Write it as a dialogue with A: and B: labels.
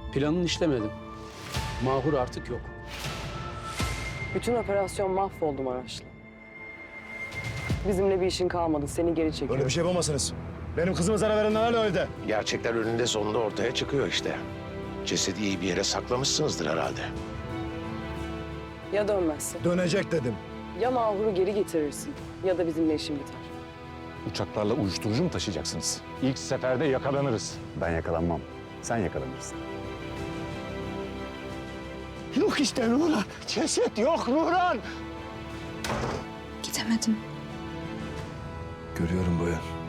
A: Planın işlemedim. Mahur artık yok.
B: Bütün operasyon mahvoldu Maraşlı. Bizimle bir işin kalmadı. Seni geri çekiyor.
C: Böyle bir şey yapamazsınız. Benim kızıma zarar verenler hala öyle.
D: Gerçekler önünde sonunda ortaya çıkıyor işte. Cesedi iyi bir yere saklamışsınızdır herhalde.
B: Ya dönmezse?
C: Dönecek dedim.
B: Ya Mahur'u geri getirirsin ya da bizimle işin biter.
E: Uçaklarla uyuşturucu mu taşıyacaksınız? İlk seferde yakalanırız.
F: Ben yakalanmam. Sen yakalanırsın.
D: Yok işte Nurhan. Ceset yok Nurhan.
G: Gidemedim.
C: Görüyorum Boyan.